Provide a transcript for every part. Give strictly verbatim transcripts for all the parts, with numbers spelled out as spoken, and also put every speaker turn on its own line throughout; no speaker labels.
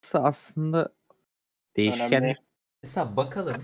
aslında
Önemli.
değişkenlik.
Mesela bakalım.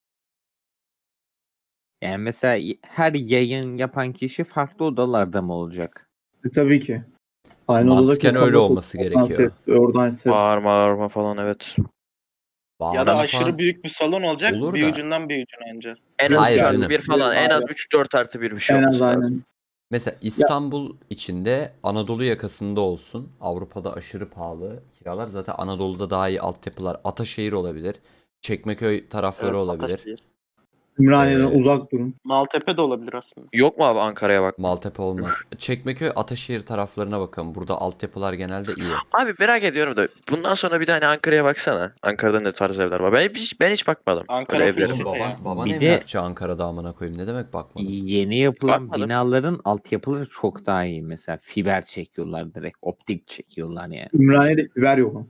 Yani mesela y- her yayın yapan kişi farklı odalarda mı olacak?
E, tabii ki. Aynı
Mantıken
odadaki
öyle
kablo
olması
oradan
gerekiyor.
ses, oradan ses.
Bağırma bağırma falan evet.
Ya da
Bağırma
aşırı
falan
büyük bir salon olacak.
olur
bir
da.
ucundan bir ucuna önce.
En
Yok
az
Hayır
üç artı
canım.
bir falan. En az
Hayır.
üç dört artı bir bir şey
En az
olması lazım.
aynen.
Mesela İstanbul içinde Anadolu yakasında olsun. Avrupa'da aşırı pahalı kiralar. Zaten Anadolu'da daha iyi altyapılar. Ataşehir olabilir. Çekmeköy tarafları
Evet,
olabilir.
Ataşehir.
Ümraniye'den
Ee,
uzak durun.
Maltepe de olabilir aslında.
Yok mu abi Ankara'ya bak?
Maltepe olmaz. Çekmeköy, Ataşehir taraflarına bakın. Burada altyapılar genelde iyi.
Abi merak ediyorum da bundan sonra bir tane Ankara'ya baksana. Ankara'da ne tarz evler var? Ben hiç ben hiç bakmadım.
Ankara
Öyle
full
evlere.
site
Oğlum
ya.
baban, baban
Bir de-
emlakçı Ankara'da amına koyayım. Ne demek bakmadım.
Yeni yapılan
Bakmadım.
binaların altyapıları çok daha iyi. Mesela fiber çekiyorlar direkt. Optik çekiyorlar yani.
Ümraniye'de fiber yok.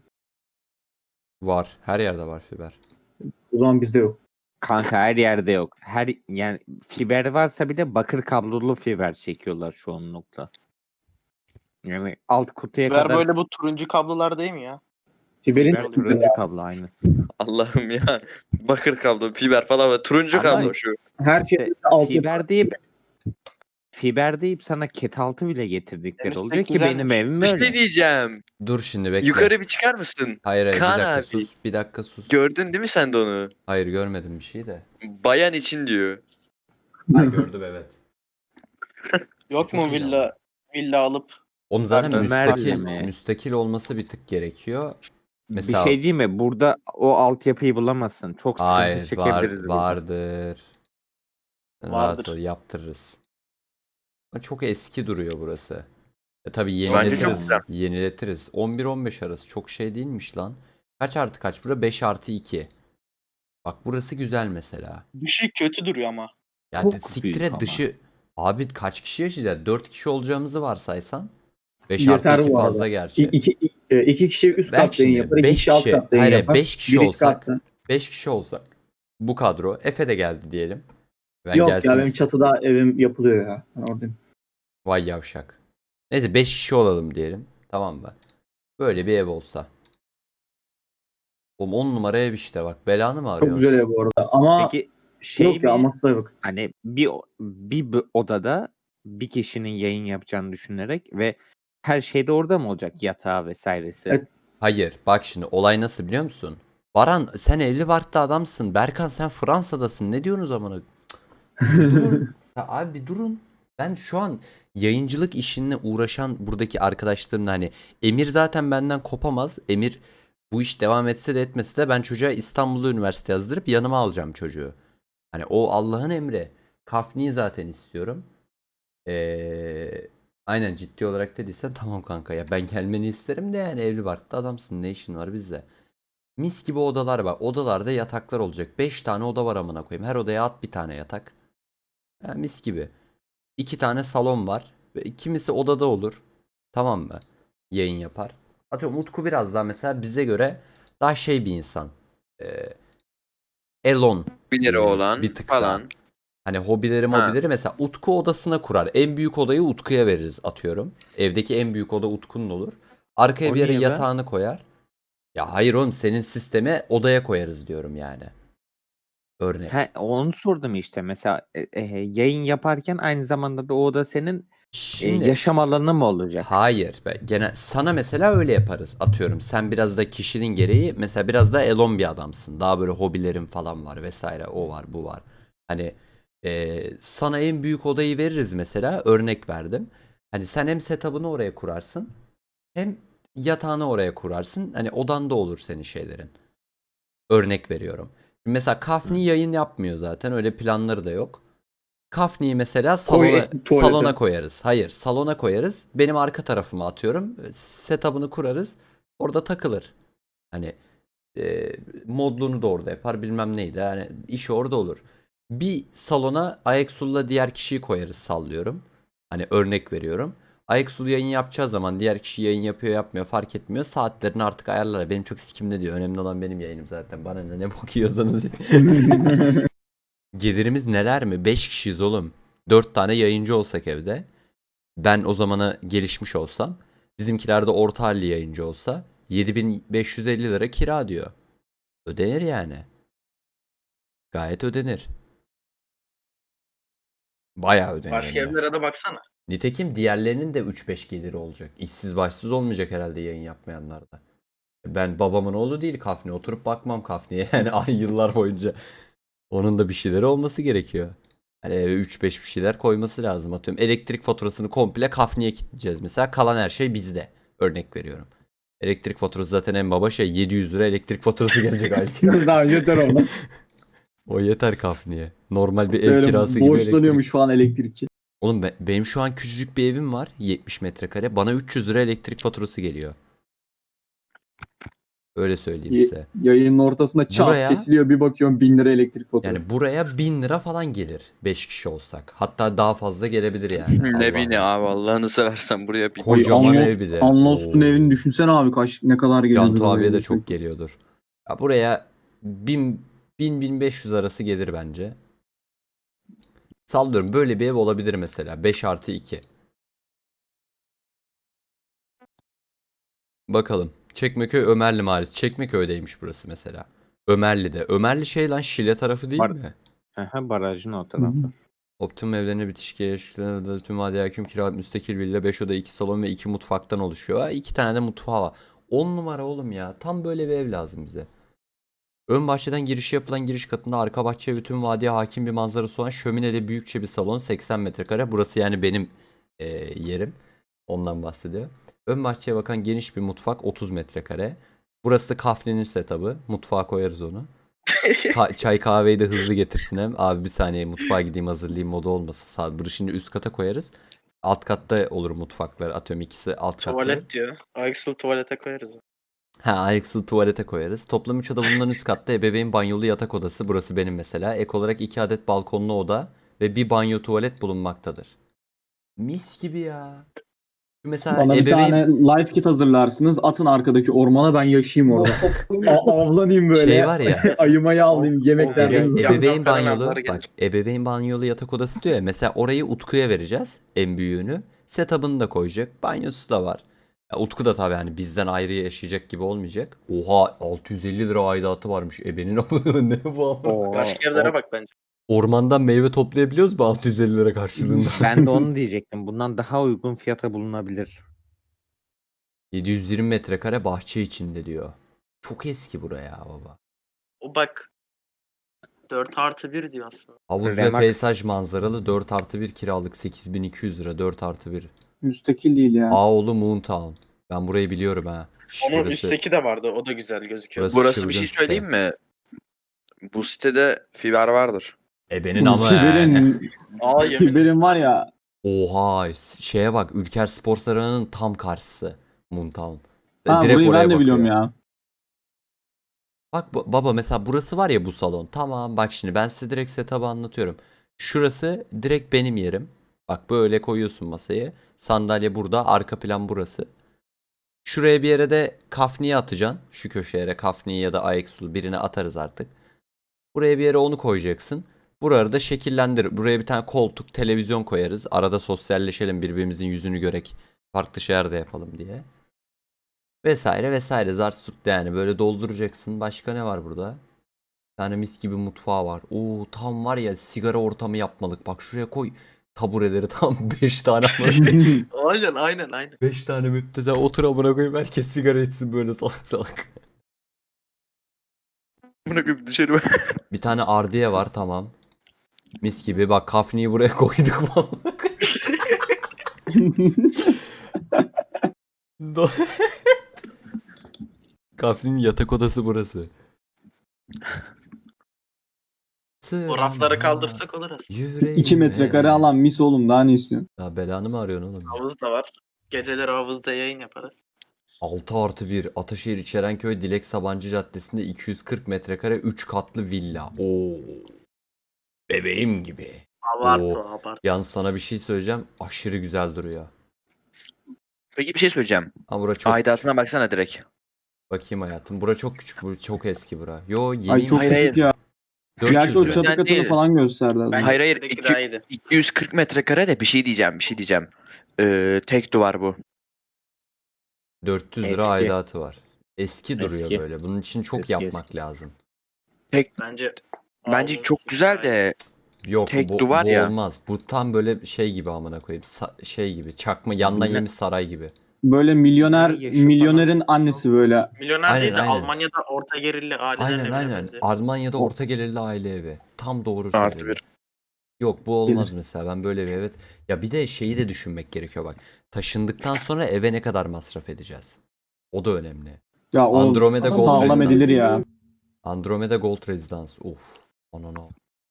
Var. Her yerde var fiber.
O zaman bizde yok.
Kanka her yerde yok. Her yani fiber varsa bile bakır kablolu fiber çekiyorlar çoğunlukla. Yani alt kutuya
Ver
kadar
böyle bu turuncu kablolar değil mi ya?
Fiberin
fiber, turuncu kablo aynı.
Allah'ım ya. Bakır kablo, fiber falan ve turuncu
Ama
kablo şu.
her şey
İşte
altyapı.
fiber deyip fiber deyip sana ket altı bile getirdikleri
Demiştik,
oluyor ki
güzelmiş.
benim evim
Bir
öyle.
şey diyeceğim.
Dur şimdi bekle.
Yukarı bir çıkar mısın?
Hayır hayır bir
Kaan
dakika
abi.
sus. Bir dakika sus.
Gördün değil mi sen de onu?
Hayır görmedim bir şey de.
Bayan için diyor.
Ha, gördüm evet.
Yok
Çok
mu
iyi
villa villa alıp
Onun zaten
Ömer
müstakil,
mi?
müstakil olması bir tık gerekiyor. Mesela
Bir şey değil mi? Burada o altyapıyı bulamazsın. Çok sıkıntı
hayır var,
çekebiliriz burada.
vardır. Rahat
Vardır.
ol yaptırırız. Ama çok eski duruyor burası. E tabii
Bence çok
yeniletiriz.
güzel.
Yeniletiriz. on bir on beş arası çok şey değilmiş lan. Kaç artı kaç bura? beş artı iki. Bak burası güzel mesela.
dışı kötü duruyor ama.
Ya
Çok
de- siktir
büyük
et
ama.
dışı. Abi kaç kişi yaşayacağız? dört kişi olacağımızı varsaysan. beş artı
Yeter
iki
bu arada.
fazla
İ-
gerçi.
iki, e, iki kişi üst
Bak
kat yayın
şimdi,
yapar. iki
beş
kişi alt
kişi-
kat yayın
hayır,
yapar.
beş kişi
bir üst
olsak-
katta.
beş kişi olsak. Bu kadro. Efe de geldi diyelim. Ben
Yok
gelsin
ya benim
ist-
çatıda evim yapılıyor ya. Ben oradayım.
Vay yavşak. Neyse beş kişi olalım diyelim. Tamam mı? Böyle bir ev olsa. Oğlum on numara ev işte bak. Belanı mı
Çok
arıyorsun?
güzel ev bu arada. Ama
Peki şey
yok ya
mi?
aması da yok.
Hani bir o- bir b- odada bir kişinin yayın yapacağını düşünerek ve her şey de orada mı olacak? Yatağı vesairesi.
Evet.
Hayır. Bak şimdi olay nasıl biliyor musun? Baran sen evli barklı adamsın. Berkan sen Fransa'dasın. Ne diyorsunuz amına? Cık. Bir durun. Sen- abi bir durun. Ben şu an yayıncılık işinle uğraşan buradaki arkadaşlarımla hani Emir zaten benden kopamaz. Emir bu iş devam etse de etmese de ben çocuğa İstanbul'da üniversite yazdırıp yanıma alacağım çocuğu. Hani o Allah'ın emri. Kafni'yi zaten istiyorum. Ee, aynen ciddi olarak dediysen tamam kanka ya ben gelmeni isterim de yani evli barklı adamsın ne işin var bizde. Mis gibi odalar var. Odalarda yataklar olacak. beş tane oda var amına koyayım. Her odaya at bir tane yatak. Ha, mis gibi. iki tane salon var. Ve kimisi odada olur. Tamam mı? Yayın yapar. Atıyorum Utku biraz daha mesela bize göre daha şey bir insan. Ee, Elon.
Bir lira
diyelim,
olan
bir tık
falan.
daha. Hani hobileri
Ha.
mobileri mesela Utku odasına kurar. En büyük odayı Utku'ya veririz atıyorum. Evdeki en büyük oda Utku'nun olur. Arkaya
O
bir yere
niye be?
yatağını koyar. Ya hayır oğlum senin sisteme odaya koyarız diyorum yani. Örnek.
He, onu sordum işte. Mesela e, e, yayın yaparken aynı zamanda da o oda senin e,
Şimdi
yaşam alanı mı olacak?
hayır. be- Gene sana mesela öyle yaparız. Atıyorum sen biraz da kişinin gereği mesela biraz da elon bir adamsın. Daha böyle hobilerin falan var vesaire. O var bu var. Hani e, sana en büyük odayı veririz mesela. Örnek verdim. Hani sen hem setup'ını oraya kurarsın. Hem yatağını oraya kurarsın. Hani odanda olur senin şeylerin. Örnek veriyorum. Mesela Kafni yayın yapmıyor zaten. Öyle planları da yok. Kafni'yi mesela salona,
Koy- tuvalete.
salona koyarız. Hayır, salona koyarız. Benim arka tarafıma atıyorum. Setup'ını kurarız. Orada takılır. Hani e, modluğunu da orada yapar. Bilmem neydi. Yani işi orada olur. Bir salona Ayaksul'la diğer kişiyi koyarız sallıyorum. Hani örnek veriyorum. Ayaksul yayın yapacağı zaman diğer kişi yayın yapıyor yapmıyor fark etmiyor. Saatlerini artık ayarlar. Benim çok sikimde diyor. Önemli olan benim yayınım zaten. Bana ne ne bakıyorsanız. Gelirimiz neler mi? beş kişiyiz oğlum. dört tane yayıncı olsak evde. Ben o zamana gelişmiş olsam. Bizimkiler de orta halli yayıncı olsa. yedi bin beş yüz elli lira kira diyor. Ödenir yani. Gayet ödenir. Bayağı ödenir.
Başka
hem de.
evlere de baksana.
Nitekim diğerlerinin de üç beş geliri olacak. İşsiz başsız olmayacak herhalde yayın yapmayanlarda. Ben babamın oğlu değil Kafni. Oturup bakmam Kafni'ye. Yani ay yıllar boyunca. Onun da bir şeyleri olması gerekiyor. Hani eve üç beş bir şeyler koyması lazım. Atıyorum elektrik faturasını komple Kafni'ye kilitleyeceğiz. Mesela kalan her şey bizde. Örnek veriyorum. Elektrik faturası zaten en baba şey yedi yüz lira elektrik faturası gelecek aylık.
Daha yeter ona.
O yeter Kafni'ye. Normal bir ev
Böyle
kirası gibi elektrik.
borçlanıyormuş falan elektrikçi.
Oğlum be- benim şu an küçücük bir evim var. yetmiş metrekare. Bana üç yüz lira elektrik faturası geliyor. Öyle söyleyeyim
Y-
size.
Yayının ortasında çat
Buraya-
kesiliyor, bir bakıyorum bin lira elektrik faturası.
Yani buraya bin lira falan gelir. beş kişi olsak. Hatta daha fazla gelebilir yani.
Ne
Allah'ım.
bileyim abi Allah'ını seversen buraya bir
Kocaman
Anlos-
ev bir de.
Unlost'un
Oo.
evini düşünsene abi, kaç ne kadar geliyor.
Cantu abiye de çok geliyordur. Ya buraya bin bin beş yüz arası gelir bence. Sallıyorum böyle bir ev olabilir mesela. beş artı iki. Bakalım. Çekmeköy Ömerli Mahallesi. Çekmeköy'deymiş burası mesela. Ömerli'de. Ömerli şey lan Şile tarafı değil
Var-
mi?
Aha, barajın o
Hı hı.
tarafı.
Optimum evlerine bitişik yaşlıklarına tüm vadi hakim kiralık müstakil villa beş oda iki salon ve iki mutfaktan oluşuyor. Ha, iki tane de mutfağı var. on numara oğlum ya. Tam böyle bir ev lazım bize. Ön bahçeden girişi yapılan giriş katında arka bahçe ve tüm vadiye hakim bir manzarası olan şömineli büyükçe bir salon seksen metrekare. Burası yani benim e, yerim. Ondan bahsediyor. Ön bahçeye bakan geniş bir mutfak otuz metrekare. Burası Kafne'nin setup'ı. Mutfağa koyarız onu. Ka- çay kahveyi de hızlı getirsin hem. Abi bir saniye mutfağa gideyim hazırlayayım modu olmasın. Sağ şimdi üst kata koyarız. Alt katta olur mutfaklar. Atıyorum ikisi alt katta.
Tuvalet diyor. Ayaksul tuvalete koyarız.
Ha ayaksı tuvalete koyarız. Toplam üç oda bulunan üst katta ebeveyn banyolu yatak odası. Burası benim mesela. Ek olarak iki adet balkonlu oda ve bir banyo tuvalet bulunmaktadır. Mis gibi ya. Şu mesela
Bana bir
ebeveyn
tane life kit hazırlarsınız. Atın arkadaki ormana, ben yaşayayım orada. A- avlanayım böyle.
şey var ya.
Ayımayı alayım, yemeklerden.
Ebe-
Ebe-
Yan-
ebeveyn
yan
banyolu
fenomenler
bak
gelir.
ebeveyn banyolu yatak odası diyor ya mesela orayı Utku'ya vereceğiz en büyüğünü. Setup'ını da koyacak. Banyosu da var. Ya Utku da tabii hani bizden ayrı yaşayacak gibi olmayacak. Oha altı yüz elli lira aidatı varmış. Ebenin amına ne bu ama?
Oo,
Başka evlere
o-
bak bence.
Ormandan meyve toplayabiliyoruz mu altı yüz elli lira karşılığında?
Ben de onu diyecektim. Bundan daha uygun fiyata bulunabilir.
yedi yüz yirmi metrekare bahçe içinde diyor. Çok eski buraya baba.
O bak. dört artı bir diyor aslında.
Havuz ve
Remax.
peyzaj manzaralı dört artı bir kiralık sekiz bin iki yüz lira dört artı bir.
Müstakil değil ya.
Ağoğlu Moontown. Ben burayı biliyorum ha. Şş,
Onun
burası-
üstteki de vardı. O da güzel gözüküyor.
Burası-
Burası bir
çılgın
şey
site.
söyleyeyim mi? Bu sitede fiber vardır.
Ebenin ama he.
Fiberin,
Aa yemin.
Fiberin var ya.
Oha şeye bak Ülker Spor Sarayı'nın tam karşısı Moontown.
Ha,
Direkt
burayı
oraya
ben de
bakıyor.
biliyorum ya.
Bak bu- baba mesela burası var ya bu salon. Tamam bak şimdi ben size direkt setup'ı anlatıyorum. Şurası direkt benim yerim. Bak böyle koyuyorsun masayı. Sandalye burada, arka plan burası. Şuraya bir yere de kafniyi atacaksın. Şu köşeye kafniyi ya da ayaksul birine atarız artık. Buraya bir yere onu koyacaksın. Buraları da şekillendir. Buraya bir tane koltuk, televizyon koyarız. Arada sosyalleşelim, birbirimizin yüzünü görek. Farklı şeyler de yapalım diye. Vesaire vesaire. Zart surt yani. Böyle dolduracaksın. Başka ne var burada? Bir tane mis gibi mutfağı var. Oo tam var ya sigara ortamı yapmalık. Bak şuraya koy. Tabureleri tam beş tane.
Aynen aynen aynen.
beş tane müptezel otur amına koyayım. Herkes sigara içsin böyle salak salak.
Bunu bir dışarı
Bir tane ardiye var tamam. Mis gibi bak kafniyi buraya koyduk. Do- Kafnin yatak odası burası.
O rafları kaldırsak olur aslında.
Yüreğime.
iki metrekare alan mis oğlum, daha ne istiyorsun?
Ya belanı mı arıyorsun oğlum? ya?
Havuz da var. Geceleri havuzda yayın yaparız.
altı artı bir Ataşehir İçerenköy Dilek Sabancı Caddesi'nde iki yüz kırk metrekare üç katlı villa. Oo. Bebeğim gibi.
Abart
Oo.
o abart.
Yalnız sana bir şey söyleyeceğim. Aşırı güzel duruyor.
Peki bir şey söyleyeceğim.
Ama bura çok
Aidatına
küçük.
baksana direkt.
Bakayım hayatım. Bura çok küçük. Bu çok eski bura. Yo yeni.
Ay çok
Hayır,
küçük ya.
dört yüz
Gerçi o
lira.
çatı
Yani
katını
değil.
falan gösterdi az
Ben
önce.
Hayır, hayır,
istedeki
iki-
daha iyiydi.
iki yüz kırk metrekare de bir şey diyeceğim, bir şey diyeceğim. Ee, tek duvar bu.
dört yüz lira
Eski.
aidatı var. Eski duruyor
Eski.
böyle. Bunun için çok
Eski,
yapmak lazım.
Tek
Bence
bence
alması
çok güzel
gayet-
de
Yok
Tek
bu,
duvar
bu
ya.
olmaz. Bu tam böyle şey gibi amına koyayım. Sa- şey gibi. Çakma yandan
Milyon-
yemiş saray gibi.
Böyle milyoner,
Yaşı falan.
milyonerin annesi böyle.
Milyoner
Aynen,
değil de
aynen.
Almanya'da orta gelirli ailelerle
Aynen
evine
aynen.
benziyor.
Almanya'da
O-
orta gelirli aile evi. Tam doğru
Artı
söyledin.
bir.
Yok bu olmaz
Gelir.
mesela. Ben böyle bir evet. Ya bir de şeyi de düşünmek gerekiyor bak. Taşındıktan sonra eve ne kadar masraf edeceğiz? O da önemli.
Ya o
Andromeda Gold
sağlam
Residence.
edilir ya.
Andromeda Gold Residence. Of. Anana.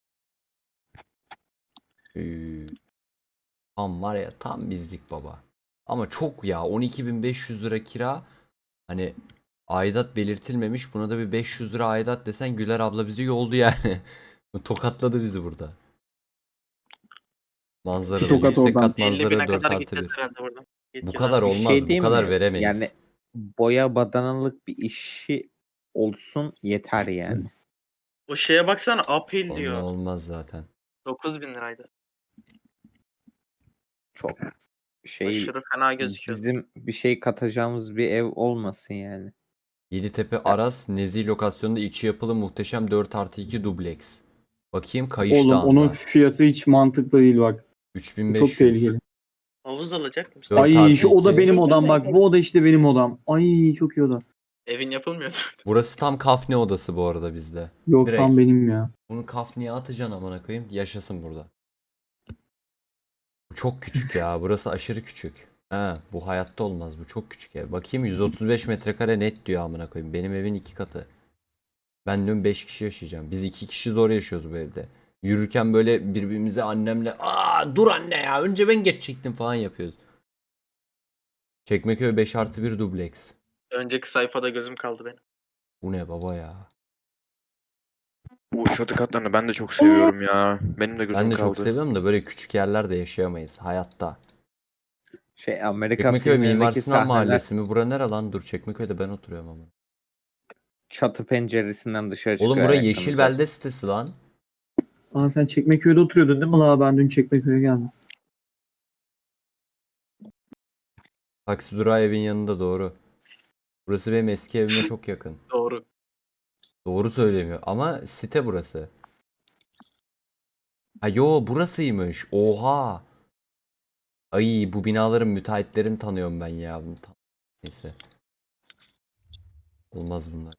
Ee, tam var ya tam bizlik baba. Ama çok ya on iki bin beş yüz lira kira. Hani aidat belirtilmemiş. Buna da bir beş yüz lira aidat desen Güler abla bizi yoldu yani. Tokatladı bizi burada. Manzaralı
Tokat
yüksek
oradan.
kat
elli
manzara
bine
dört
kadar
artı
gideceğiz
bir.
herhalde buradan.
Bu
Gideceğiz
kadar
abi.
Bir şey
olmaz. Bu
diyeyim
kadar
mi?
veremeyiz.
Yani boya badanalık bir işi olsun yeter yani.
O şeye baksana uphill
Onunla
diyor.
olmaz zaten.
dokuz bin liraydı.
Çok şey
Aşırı fena gözüküyor.
bizim bir şey katacağımız bir ev olmasın yani.
Yeditepe Aras Nezih lokasyonunda içi yapılı muhteşem dört artı iki dubleks. Bakayım
Oğlum
Kayıştağ'ında.
onun fiyatı hiç mantıklı değil bak. Bu çok
üç bin beş yüz.
tehlikeli.
Havuz alacak mısın?
Dört
Ay
artı
şu oda
iki.
benim odam bak. Bu oda işte benim odam. Ay çok iyi oda.
Evin yapılmıyordu.
Burası tam kafne odası bu arada bizde.
Yok
Direkt.
tam benim ya.
Bunu kafneye atacaksın amına koyayım. Yaşasın burada. Bu çok küçük ya. Burası aşırı küçük. Ha, bu hayatta olmaz. Bu çok küçük ev. Bakayım yüz otuz beş metrekare net diyor amına koyayım. Benim evin iki katı. Ben diyorum beş kişi yaşayacağım. Biz iki kişi zor yaşıyoruz bu evde. Yürürken böyle birbirimize annemle aa dur anne ya önce ben geçecektim falan yapıyoruz. Çekmeköy beş artı bir dubleks.
Önceki sayfada gözüm kaldı benim.
Bu ne baba ya.
Bu çatı katlarını ben de çok seviyorum ya. Benim de gözüm
Ben de
kaldı.
çok seviyorum da böyle küçük yerlerde yaşayamayız hayatta.
Şey Amerika
Çekmeköy Mimar
filmlerindeki
Sinan
sahneler
Mahallesi mi? Bura nere lan? Dur Çekmeköy'de ben oturuyorum ama.
çatı penceresinden dışarı çıkıyor.
Oğlum bura
ayaklarını
Yeşil
zaten.
Belde sitesi lan.
Aa sen Çekmeköy'de oturuyordun değil mi la? Ben dün Çekmeköy'e geldim.
Taksi durağı evin yanında doğru. Burası benim eski evime çok yakın.
Doğru.
Doğru söylemiyor ama site burası. Ha yo burasıymış. Oha. Ay bu binaların müteahhitlerini tanıyorum ben ya. Bunu tan- Neyse. Olmaz bunlar.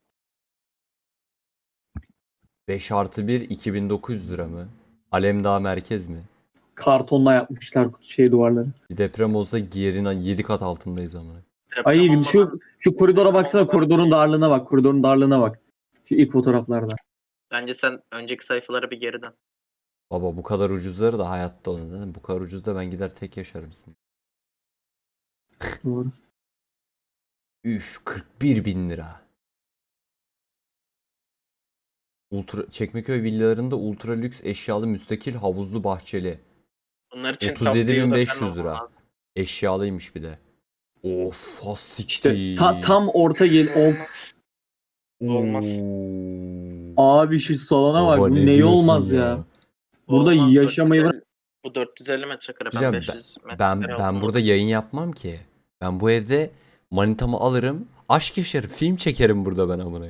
beş artı bir iki bin dokuz yüz lira mı? Alemdağ merkez mi?
Kartonla yapmışlar şey duvarları.
Bir deprem olsa yerin yedi kat altındayız ama.
Deprem
Ay
olmadan-
şu şu koridora baksana,
olmadan
koridorun
şey-
darlığına bak. Koridorun darlığına bak. Şu ilk fotoğraflarda.
Bence sen önceki sayfalara bir geri dön.
Baba bu kadar ucuzları da hayatta olun değil mi? Bu kadar ucuz da ben gider tek yaşarım sizin.
Doğru.
Üf kırk bir bin lira. Ultra, Çekmeköy villalarında ultra lüks eşyalı müstakil havuzlu bahçeli.
Bunlar için
otuz yedi bin
top
beş
deal'da
yüz
falan
lira.
olman lazım.
Eşyalıymış bir de. Of has
İşte
siktir.
ta- tam orta gel. Of.
Olmaz.
Oo.
Abi şu salona bak.
Baba
Bu
ne
neyi
diyorsun
olmaz ya. Burada
Olmaz,
yaşamayı
dört yüz elli Bu dört yüz elli metrekare. Ben
Diyeceğim,
beş yüz metrekare
Ben ben
altında
burada yayın yapmam ki. Ben bu evde manitamı alırım. Aşk yaşarım. Film çekerim burada ben amına.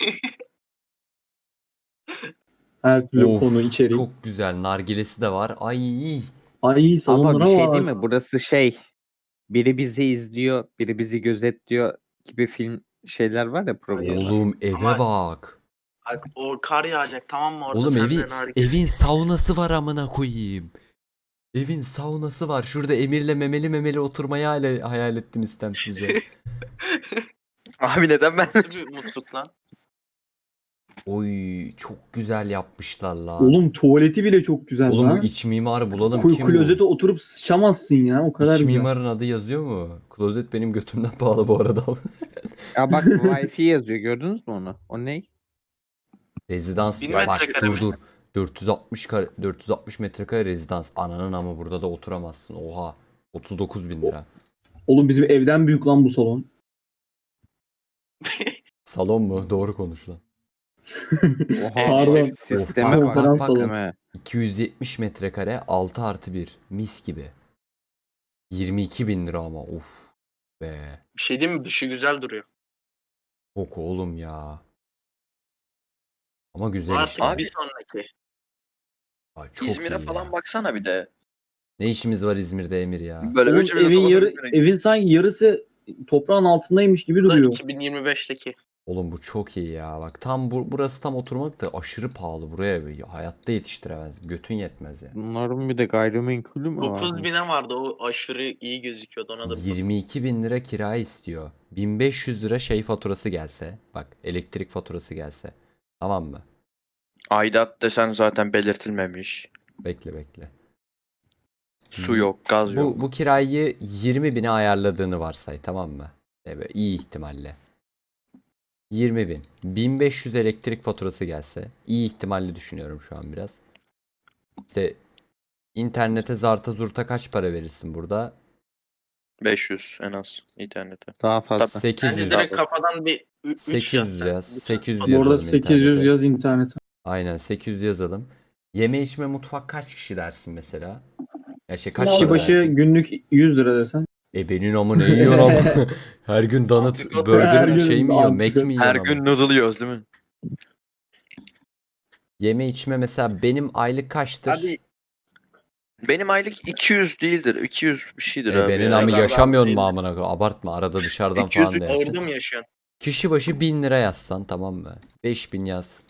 her türlü
Of,
konu içerik.
Çok güzel. Nargilesi de var. Ay.
Ay
Ama
salonlara
bir şey
bak.
değil mi? Burası şey biri bizi izliyor, biri bizi gözetliyor gibi film şeyler var ya programlar.
Oğlum eve
Ama-
bak.
Bak o kar yağacak tamam mı orada?
Oğlum
sen
evi
de nargile-
evin saunası var amına koyayım. Evin saunası var. Şurada Emir'le memeli memeli oturmayı hayal, hayal ettim istemsizce.
Abi neden ben?
Nasıl bir mutluluk lan?
Oy çok güzel yapmışlar lan.
Oğlum tuvaleti bile çok güzel
Oğlum bu
lan.
iç mimarı bulalım.
Ku-
Kim
klozete
bu?
oturup sıçamazsın ya. O kadar
İç
güzel.
mimarın adı yazıyor mu? Klozet benim götümden pahalı bu arada.
Ya bak Wi-Fi yazıyor gördünüz mü onu? O ne?
Rezidans
Bin
diyor. Bak
metrekare
dur
mi?
dur. dört yüz altmış kare, dört yüz altmış metrekare rezidans. Ananın ama burada da oturamazsın. Oha. otuz dokuz bin lira.
Oğlum bizim evden büyük lan bu salon.
Salon mu? Doğru konuş lan.
Oha
Pardon.
sisteme
Of,
bak.
konferans
bak,
salonu.
sisteme.
iki yüz yetmiş metrekare altı artı bir. Mis gibi. yirmi iki bin lira ama. Uf be.
Bir şey değil mi? Dışı güzel duruyor.
Çok oğlum ya. Ama güzel
Artık
işte.
Abi-
bir sonraki.
Aa, çok
İzmir'e
iyi
falan
ya.
baksana bir de.
Ne işimiz var İzmir'de Emir ya?
Böyle
Oğlum
üçümüz de
evin yarı,
Tokat'a
evin sanki yarısı toprağın altındaymış gibi
Bu da
duruyor.
iki bin yirmi beşteki.
Oğlum bu çok iyi ya. Bak tam bu, burası tam oturmak da aşırı pahalı. Buraya bir- hayatta yetiştiremez. Götün yetmez ya.
Bunların bir de gayrimenkulü mü var?
dokuz bine vardı, o aşırı iyi gözüküyordu, ona da bir
yirmi iki bin lira kira istiyor. bin beş yüz lira şey faturası gelse. Bak elektrik faturası gelse. Tamam mı?
Aidat desen zaten belirtilmemiş.
Bekle bekle.
Su yok, gaz yok.
Bu, bu kirayı yirmi bine ayarladığını varsay, tamam mı? Evet, iyi ihtimalle. yirmi bin. bin beş yüz elektrik faturası gelse. İyi ihtimalle düşünüyorum şu an biraz. İşte internete zarta zurta kaç para verirsin burada?
beş yüz en az internete.
Daha fazla.
Bence
sekiz yüz.
direkt kafadan bir ü- üç
sekiz yüz
yazsan.
yaz.
Bütün
sekiz yüz
fatura-
Bu arada
yazalım
sekiz yüz
internete.
yaz internete.
Aynen sekiz yüz yazalım. Yeme içme mutfak kaç kişi dersin mesela? Ya şey kaç
Kişi
lira
başı
dersin?
günlük yüz lira desen.
E benim ama ne yiyor ama? Her gün donut,
Antrikot
burger
her
mi
gün
şey mi yiyor? Mac
antrikot.
mi yiyor
Her
ama?
gün noodle yiyoruz değil mi?
Yeme içme mesela benim aylık kaçtır?
Hadi
Benim aylık iki yüz değildir. iki yüz bir şeydir
E
abi.
benim
ya.
ama
kadar
yaşamıyorsun mu
değil.
amına koyayım? Abartma arada dışarıdan
iki yüz
falan dersin.
ağırda mı yaşıyorsun?
Kişi başı bin lira yazsan tamam mı? beş bin yaz.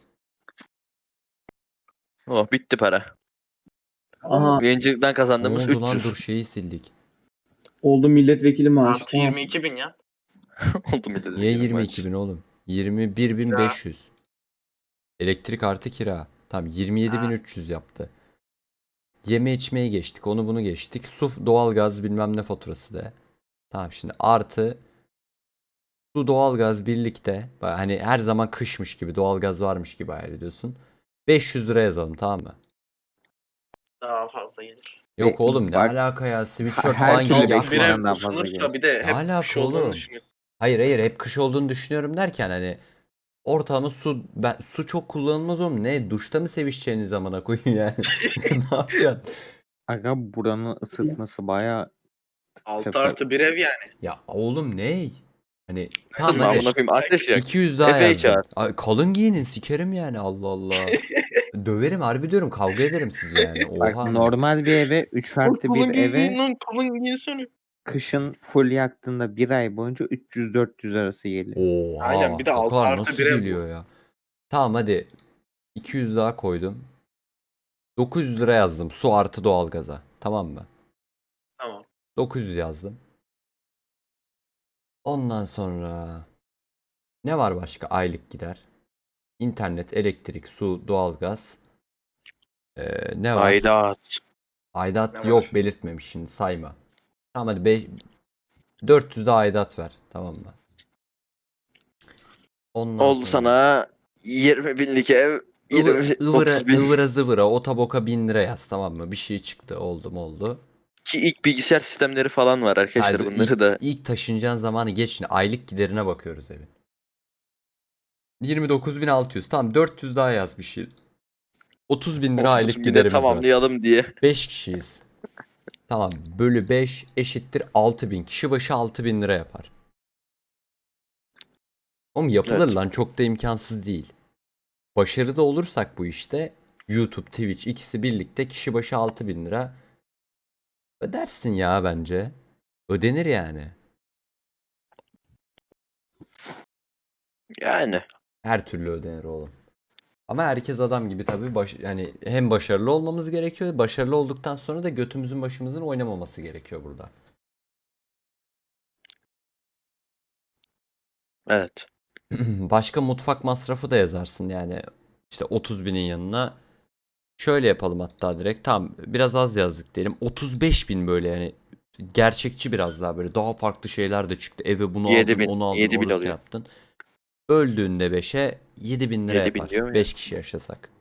Oh bitti para.
Aha
Yayıncılıktan
Ne
kazandığımız
oldu lan
üç yüz.
dur şeyi sildik.
oldu milletvekili maaşı.
Artı
Tamam.
yirmi iki bin ya.
Oldu millet.
Niye yirmi iki bin oğlum? yirmi bir bin beş yüz. Elektrik artı kira. Tamam yirmi yedi bin üç yüz yaptı. Yeme içmeye geçtik. Onu bunu geçtik. Su, doğalgaz bilmem ne faturası da. Tamam şimdi artı su doğalgaz birlikte. Bak hani her zaman kışmış gibi doğalgaz varmış gibi hayal ediyorsun. beş yüz lira yazalım tamam mı?
Daha fazla gelir.
Yok
E,
oğlum ne
bak-
alaka ya sweatshirt
Her
falan
türlü
giy
beş
yakma.
bin lira.
Bire
daha fazla
ısınırsa
gelir.
bir de hep
Alaka
kış olduğunu
oğlum?
düşünüyorsun.
Hayır hayır hep kış olduğunu düşünüyorum derken hani ortamı su ben su çok kullanılmaz oğlum. Ne duşta mı sevişeceğiniz zamana koyun yani. Ne yapacaksın?
Aga buranın ısıtması bayağı
altı
Tepe-
artı bir ev yani.
Ya oğlum ne? Hani tamam
Tamam
hadi
amına koyayım ateş yak.
iki yüz daha
Efe'yi
yazdım.
çağır.
Ay, kalın giyinin sikerim yani Allah Allah. Döverim harbi diyorum kavga ederim sizle yani.
bak
Oha.
normal bir eve üç artı
Kalın
bir
giyin
eve
lan, kalın giyinsene.
kışın full yaktığında bir ay boyunca üç yüz dört yüz arası geliyor.
Oha.
Aynen, bir de
o
altı
kadar
artı
nasıl
bir ev bu.
geliyor ya? Tamam hadi iki yüz daha koydum. dokuz yüz lira yazdım su artı doğalgaza. Tamam mı?
Tamam.
dokuz yüz yazdım. Ondan sonra ne var başka aylık gider? İnternet, elektrik, su, doğalgaz. Ee, ne var?
Aidat.
Aidat
Ne
yok
var?
belirtmemiş şimdi sayma. Tamam hadi beş, dört yüz de aidat ver. Tamam mı? Ondan
Oldu
sonra
sana yirmi binlik ev.
ıvı-
yirmi,
ıvıra,
otuz bin.
ıvıra zıvıra o taboka bin lira yaz tamam mı? Bir şey çıktı oldu mu oldu.
Ki ilk bilgisayar sistemleri falan var arkadaşlar
Hayır,
bunları
ilk,
da.
ilk taşınacağın zamanı geç şimdi aylık giderine bakıyoruz evin. yirmi dokuz bin altı yüz tamam dört yüz daha yaz bir şey. otuz bin lira aylık
otuz binde
giderimiz var.
tamamlayalım diye.
beş kişiyiz. Tamam bölü beş eşittir altı bin. Kişi başı altı bin lira yapar. Oğlum yapılır
Evet.
lan çok da imkansız değil. Başarılı olursak bu işte YouTube, Twitch ikisi birlikte kişi başı altı bin lira ödersin ya bence. Ödenir yani.
Yani.
Her türlü ödenir oğlum. Ama herkes adam gibi tabii baş, yani hem başarılı olmamız gerekiyor. Başarılı olduktan sonra da götümüzün başımızın oynamaması gerekiyor burada.
Evet.
Başka mutfak masrafı da yazarsın yani işte otuz binin yanına. Şöyle yapalım hatta direkt tam biraz az yazdık diyelim. otuz beş bin böyle yani gerçekçi biraz daha böyle daha farklı şeyler de çıktı. Eve bunu
yedi
aldın
bin,
onu aldın
yedi bin
orasını
oluyor.
yaptın. Böldüğünde beşe yedi bin lira
yedi bin
yapar.
diyor mu ya?
beş kişi yaşasak.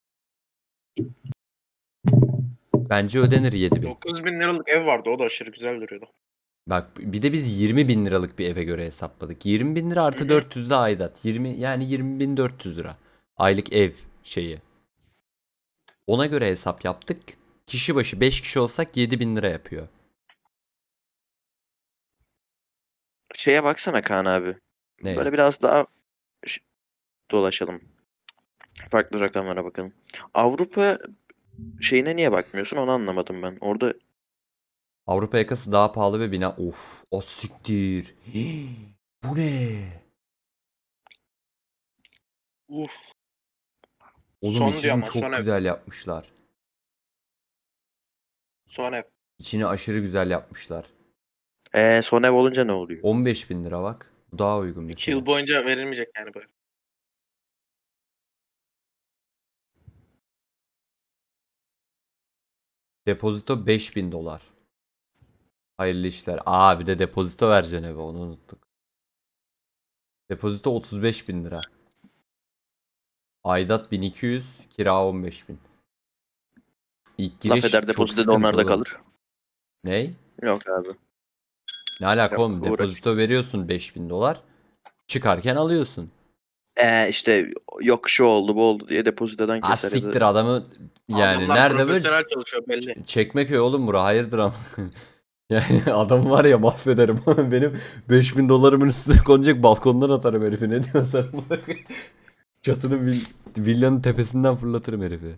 Bence ödenir yedi bin.
dokuz bin liralık ev vardı, o da aşırı güzel duruyordu.
Bak bir de biz yirmi bin liralık bir eve göre hesapladık. yirmi bin lira artı
Hı hı.
dört yüz de aidat. yirmi yani yirmi bin dört yüz lira. Aylık ev şeyi. Ona göre hesap yaptık. Kişi başı beş kişi olsak yedi bin lira yapıyor.
Şeye baksana Kaan abi.
Ne?
Böyle biraz daha ş- dolaşalım. Farklı rakamlara bakalım. Avrupa şeyine niye bakmıyorsun onu anlamadım ben. Orada
Avrupa yakası daha pahalı ve bina. Of, o siktir. Hii, bu ne?
Uf.
Oğlum
Son
içini
diyor ama,
çok
son ev.
güzel yapmışlar.
Son ev.
İçini aşırı güzel yapmışlar.
ee, son ev olunca ne oluyor?
on beş bin lira bak. Bu daha uygun
iki
mesela.
yıl boyunca verilmeyecek yani böyle.
Depozito beş bin dolar. Hayırlı işler. Aa, bir de depozito vereceksin eve, onu unuttuk. Depozito otuz beş bin lira. Aidat bin iki yüz, kira on beş bin. İlk
Laf
giriş
eder
çok
depozito da onlarda
sıkıntılı.
kalır.
Ney?
Yok abi.
Ne alaka
Yok,
oğlum?
uğraş.
Depozito veriyorsun beş bin dolar. Çıkarken alıyorsun.
Ee, işte yok şu oldu bu oldu diye depozitodan
Ha
keser ya da-
siktir adamı, yani
Adamlar
nerede böyle
profesyonel çalışıyor belli.
Çekmeköy oğlum bura, hayırdır ama. Yani adam var ya, mahvederim. Benim beş bin dolarımın üstüne konacak, balkondan atarım herifi, ne diyorsun sen? Çatının vil- villanın tepesinden fırlatırım herifi.